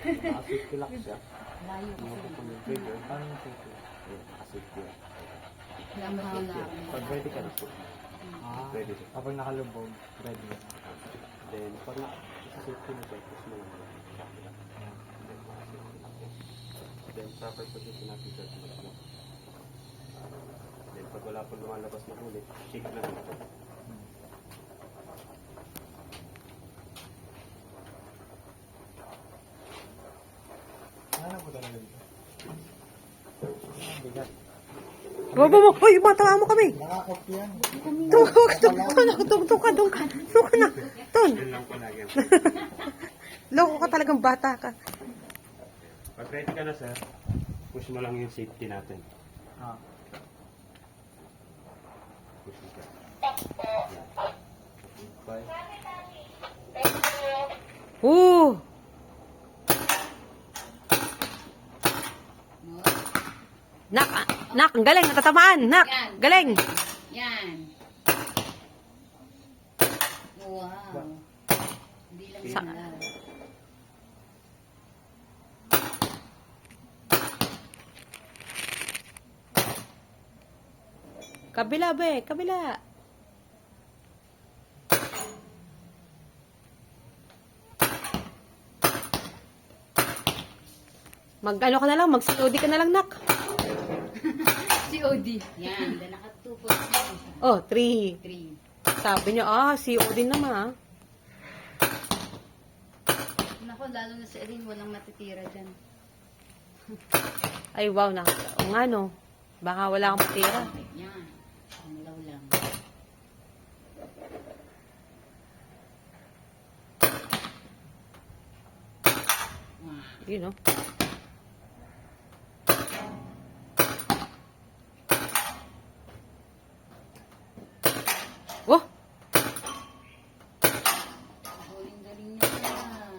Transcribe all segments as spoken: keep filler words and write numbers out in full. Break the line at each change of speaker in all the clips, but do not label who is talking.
Naka-safety lock siya.
Layo
Ano
kasi.
po po yung trigger? Paano yung safety lock? Ayun, naka-safety lock.
Namahala.
Pag ready ka na po.
Ah,
Ready siya.
kapag nakalubog, ready na.
Then, pag naka-safety na siya, push mo lang yung safety lock. Then, naka-safety lock po. Then, proper position natin siya sa mag-lock. Then, pag wala pong lumalabas na ulit, shake lang ito.
Ano po talaga dito? Ah, bigat.
Baba mo. Uy, matawa mo kami.
Nakakot yan.
Tung, tung, tung, tung, tung, tung ka, tung ka. Tung ka na. Ton.
Yun lang po lagi.
Loko ka talagang bata ka.
Pag ready ka na, sir, push mo lang yung safety natin.
Ah.
Push mo siya. Five.
Oo. Nak, ah, nak, ang galing, natatamaan. Nak,
Yan.
galing.
Yan. Wow. Hindi lang
Sa-
yan lang.
Kabila, be, kabila. Mag, ano ka na lang, mag-C O D ka na lang, nak.
C O D. Yan. Dahil nakatupos na siya.
Oh, three.
Three.
Sabi niyo, ah, C O D naman, ah.
Nako, lalo na sa Erin, walang natitira dyan.
Ay, wow, na. O nga, no. Baka wala kang matira.
Yan. Panglaw lang. Wow.
Yun, no. Oh,
Galing-galing niya.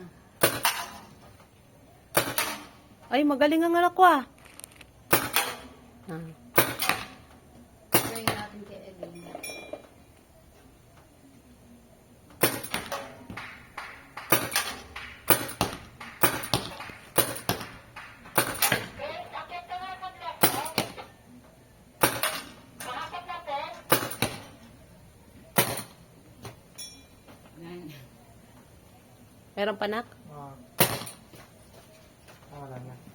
ay, magaling ang anak ko, ah. Ah.
Try natin kay Erin. Yan.
Meron pa, nak?
Ah. Ah, wala na.